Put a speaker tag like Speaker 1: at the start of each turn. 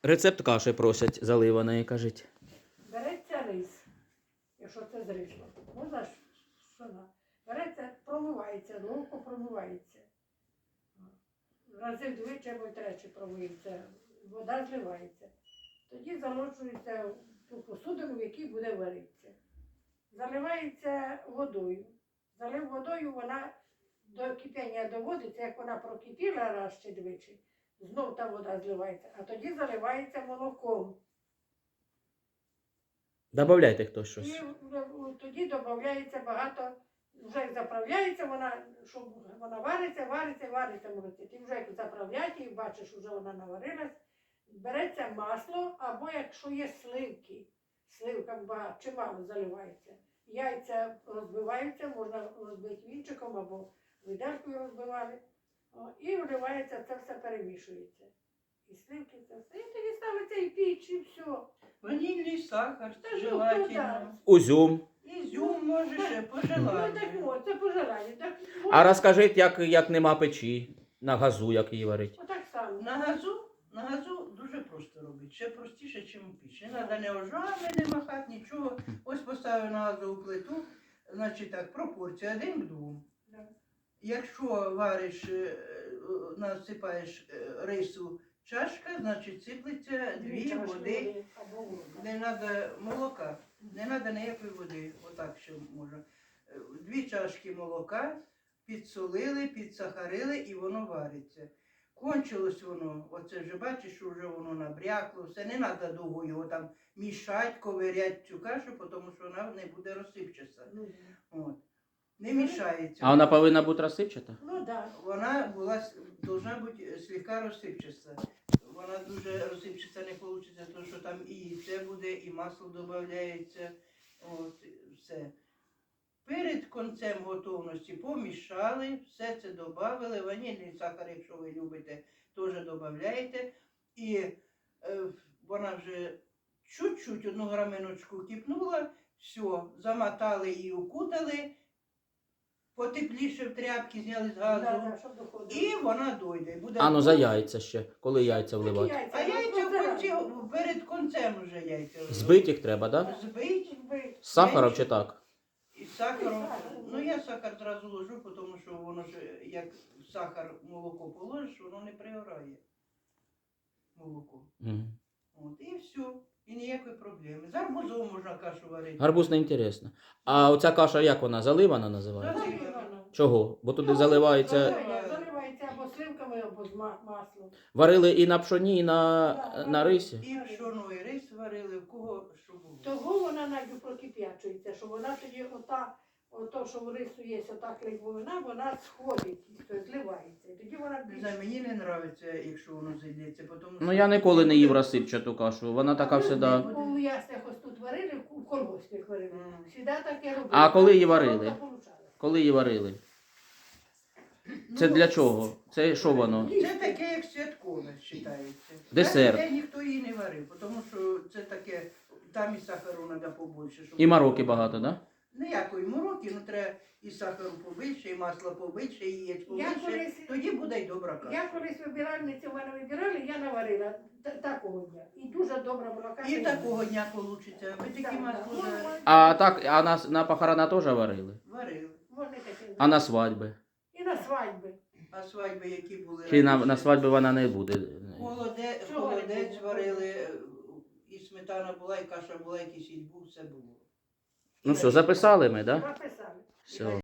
Speaker 1: Рецепт каші просять заливаної, кажіть.
Speaker 2: Береться рис, якщо це з рисом. Можна ж пшона. Береться, промивається, ловко промивається. Рази двічі або тричі промиється, вода зливається. Тоді заложується в ту посудину, в якій буде варитися. Заливається водою. Залив водою, вона до кипіння доводиться, як вона прокипіла раз чи двічі, знов та вода зливається, а тоді заливається молоком.
Speaker 1: Добавляйте хтось
Speaker 2: І
Speaker 1: щось.
Speaker 2: тоді додається багато, вже заправляється вона, щоб вона вариться молоці. Ти вже як заправляєш і бачиш, вже вона наварилась. Береться масло, або якщо є сливки, сливка багато, чимало заливається. Яйця розбиваються, можна розбити вінчиком або виделкою розбивали. І вливається, це все перемішується. І сливки це все. І тоді ставиться і піч, і все.
Speaker 3: Ванільний сахар,
Speaker 2: Та
Speaker 3: желательно.
Speaker 1: Узюм.
Speaker 3: Ізюм може ще по
Speaker 2: Ну так,
Speaker 3: желанню.
Speaker 2: це по желанню. Так,
Speaker 1: А розкажіть, як нема печі, на газу, як її варить.
Speaker 2: отак само.
Speaker 3: На газу дуже просто робити. Ще простіше, ніж у піч. Не треба не ожами, не махати, нічого. Ось поставив на газову плиту, значить так, пропорція 1 к 2.
Speaker 2: Да.
Speaker 3: Якщо вариш, насипаєш рису чашка, значить сиплеться 2 води.
Speaker 2: Або вода.
Speaker 3: Не треба молока, не треба ніякої води, отак ще можна. 2 чашки молока підсолили, підсахарили і воно вариться. Кончилось воно, оце вже бачиш, що вже воно набрякло, все, не треба довго його там мішати, ковиряти цю кашу, тому що вона не буде розсипчатися.
Speaker 2: Ну,
Speaker 3: От. Не мішається.
Speaker 1: А вона повинна бути розсипчата?
Speaker 2: ну так.
Speaker 3: Вона должна бути слегка розсипчаста. Вона дуже розсипчаста не вийде, тому що там і яйце буде, і масло додається. От, все. Перед кінцем готовності помішали, все це додали. Ванільний сахар, якщо ви любите, теж додаєте. І вона вже чуть-чуть 1 граминочку кипнула, все, замотали і укутали. Потепліше в тряпки зняли з газу.
Speaker 2: Щоб доходило.
Speaker 3: І вона дойде. Буде
Speaker 1: А ну за яйця ще, коли яйця вливати.
Speaker 3: А яйця в кінці, перед кінцем вже яйця.
Speaker 1: Збити їх треба, так? Да?
Speaker 3: Збить
Speaker 1: З сахаром чи так?
Speaker 3: і сахаром. Ну я сахар зразу ложу, тому що воно ж, як сахар молоко положиш, воно не пригорає. Молоко.
Speaker 1: Мгм.
Speaker 3: От, і все. І ніякої проблеми. З арбузом можна кашу варити.
Speaker 1: Гарбуз не інтересно. А оця каша, як вона, заливана називається?
Speaker 3: Заливана.
Speaker 1: Чого? Бо туди заливається...
Speaker 2: Заливається або сливками, або з маслом.
Speaker 1: Варили і на пшоні, і на рисі?
Speaker 3: І пшоно, і рис варили, в кого що було.
Speaker 2: Того вона навіть прокип'ячується, що вона тоді ото, що в рису є, ота клеймовина, вона сходить, тобто зливається. І тоді вона
Speaker 3: Не знаю, мені не подобається, якщо воно зайдеться, тому
Speaker 1: Ну я ніколи не їв розсипчату кашу, вона така всегда...
Speaker 2: У яснях ось тут варили, в колгоспі варили. Всегда таке робили.
Speaker 1: А коли її варили?
Speaker 2: Вона получала.
Speaker 1: Коли її варили? Це для чого? Це що воно?
Speaker 3: Це таке, як святкове, вважається.
Speaker 1: Десерт.
Speaker 3: Де ніхто її не варив, тому що це таке, там і сахару треба побольше. Щоб
Speaker 1: І мороки багато, так? Да?
Speaker 3: Ніякої мороки, ну треба і сахару побільше, і масла побільше, і яєць
Speaker 2: Я
Speaker 3: побільше.
Speaker 2: колись-
Speaker 3: Тоді буде й добра каша.
Speaker 2: Я колись вибиральницю в мене вибирали, я наварила такого дня. І дуже добра була каша.
Speaker 3: І такого дня вийде. Ви такі масло вже
Speaker 1: А так, а на похорона теж варили?
Speaker 3: варили.
Speaker 2: Вони такі.
Speaker 1: А на свадьби?
Speaker 2: І на свадьби.
Speaker 3: А свадьби, які були
Speaker 1: Чи на
Speaker 3: раніше?
Speaker 1: свадьби вона не буде?
Speaker 3: Холодець
Speaker 2: Чого не було?
Speaker 3: варили, і сметана була, і каша була, і кисіль був, все було.
Speaker 1: Ну все, записали ми, так? Да?
Speaker 2: Написали.
Speaker 1: Все.